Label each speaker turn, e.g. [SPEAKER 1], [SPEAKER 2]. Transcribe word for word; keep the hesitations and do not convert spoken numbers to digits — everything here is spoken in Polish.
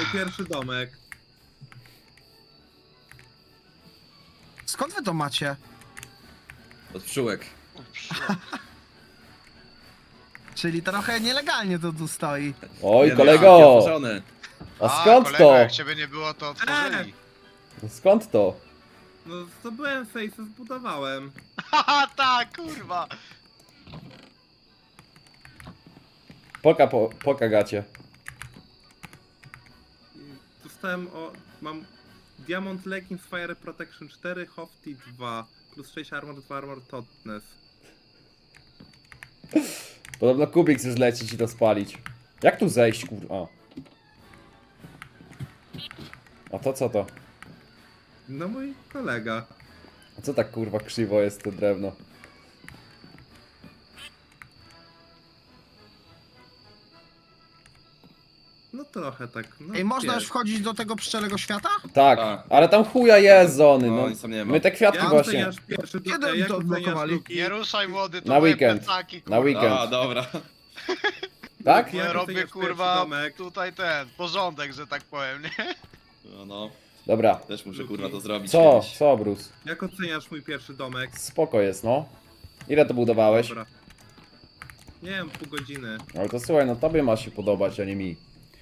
[SPEAKER 1] pierwszy domek.
[SPEAKER 2] Skąd wy to macie?
[SPEAKER 3] Od pszczółek.
[SPEAKER 2] Czyli trochę nielegalnie to tu stoi.
[SPEAKER 4] Oj,
[SPEAKER 3] Nie,
[SPEAKER 4] kolego!
[SPEAKER 3] no, otworzone.
[SPEAKER 4] A skąd
[SPEAKER 5] kolego,
[SPEAKER 4] to?
[SPEAKER 5] jak ciebie nie było, to otworzyli.
[SPEAKER 4] Skąd to?
[SPEAKER 1] No zdobyłem sejfy, zbudowałem.
[SPEAKER 5] Haha, tak, kurwa.
[SPEAKER 4] Poka, po, poka gacie.
[SPEAKER 1] I dostałem o... mam... Diamond Leggings Fire Protection cztery, Hofty dwa, plus sześć armor, dwa armor toughness.
[SPEAKER 4] Podobno Kubik chce zlecić i to spalić. Jak tu zejść, kurwa? A to co to?
[SPEAKER 1] No mój kolega.
[SPEAKER 4] A co tak kurwa krzywo jest to drewno?
[SPEAKER 1] No trochę tak, no
[SPEAKER 2] Ej, można
[SPEAKER 1] wiesz.
[SPEAKER 2] już wchodzić do tego pszczelego świata?
[SPEAKER 4] Tak,
[SPEAKER 3] Tak.
[SPEAKER 4] ale tam chuja jest zony,
[SPEAKER 3] No,
[SPEAKER 4] no.
[SPEAKER 3] nic tam nie ma.
[SPEAKER 4] My te kwiatki
[SPEAKER 1] Jak
[SPEAKER 4] właśnie.
[SPEAKER 1] oceniasz pierwszy do...
[SPEAKER 2] Kiedy
[SPEAKER 1] jak
[SPEAKER 2] to
[SPEAKER 1] oceniasz
[SPEAKER 2] odblokowali?
[SPEAKER 1] drugi?
[SPEAKER 5] Nie ruszaj młody, to
[SPEAKER 4] Na
[SPEAKER 5] moje
[SPEAKER 4] weekend.
[SPEAKER 5] plecaki,
[SPEAKER 4] Na
[SPEAKER 5] kurwa.
[SPEAKER 4] weekend.
[SPEAKER 3] A, dobra.
[SPEAKER 4] Tak?
[SPEAKER 1] Jak
[SPEAKER 5] Ja robię,
[SPEAKER 1] oceniasz
[SPEAKER 5] kurwa,
[SPEAKER 1] pierwszy domek?
[SPEAKER 5] tutaj ten, porządek, że tak powiem, nie?
[SPEAKER 3] No, no.
[SPEAKER 4] Dobra.
[SPEAKER 3] Też muszę kurwa to zrobić
[SPEAKER 4] Co?
[SPEAKER 3] kiedyś.
[SPEAKER 4] Co, Bruce?
[SPEAKER 1] Jak oceniasz mój pierwszy domek?
[SPEAKER 4] Spoko jest, no. Ile to budowałeś?
[SPEAKER 1] Dobra. Nie wiem, pół godziny.
[SPEAKER 4] Ale to słuchaj, no tobie ma się podobać, a nie mi.